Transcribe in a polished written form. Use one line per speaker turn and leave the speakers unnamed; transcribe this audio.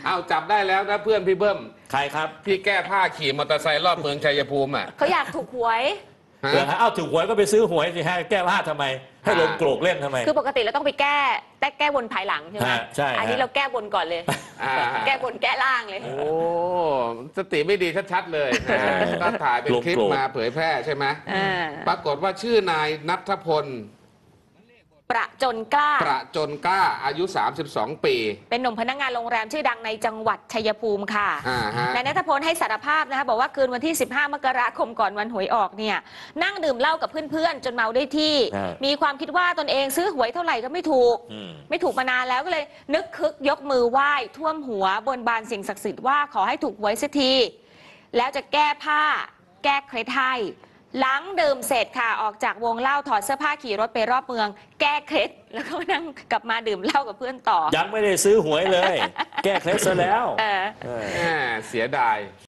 เอาจับได้แล้วนะเพื่อนพี่เบิ้ม
ใครครับ
ที่แก้ผ้าขี่มอเตอร์ไซค์รอบเมืองชัยภูมิอ่ะ
เขาอยากถูกหวย
เดี๋ยวเอาถูกหวยก็ไปซื้อหวยสิฮะแก้ผ้าทำไมให้ลงโกรกเล่นทำไม
คือปกติเราต้องไปแก้บนภายหลังใช่ไหม
ใช่
อันนี้เราแก้บนก่อนเลยแก้บนแก้ล่างเลย
โอ้สติไม่ดีชัดๆเลยก็ถ่ายเป็นคลิปมาเผยแพร่ใช่ไหมปรากฏว่าชื่อนายณัฐพล
ประจนกล้า
อายุ32 ปี
เป็นหนุ่มพนักงานโรงแรมชื่อดังในจังหวัดชัยภูมิค่ะนายณัฐพลให้สารภาพนะคะบอกว่าคืนวันที่15 มกราคมก่อนวันหวยออกเนี่ยนั่งดื่มเหล้ากับเพื่อนๆจนเมาได้ที่มีความคิดว่าตนเองซื้อหวยเท่าไหร่ก็ไม่ถูกมานานแล้วก็เลยนึกคึกยกมือไหว้ท่วมหัวบนบานสิ่งศักดิ์สิทธิ์ว่าขอให้ถูกหวยสักทีแล้วจะแก้ผ้าแก้เคล็ดให้หลังดื่มเสร็จค่ะออกจากวงเล่าถอดเสื้อผ้าขี่รถไปรอบเมืองแก้เคล็ดแล้วก็นั่งกลับมาดื่มเหล้ากับเพื่อนต่อ
ยังไม่ได้ซื้อหวยเลยแก้เคล็ดซะแล้ว
เสียดาย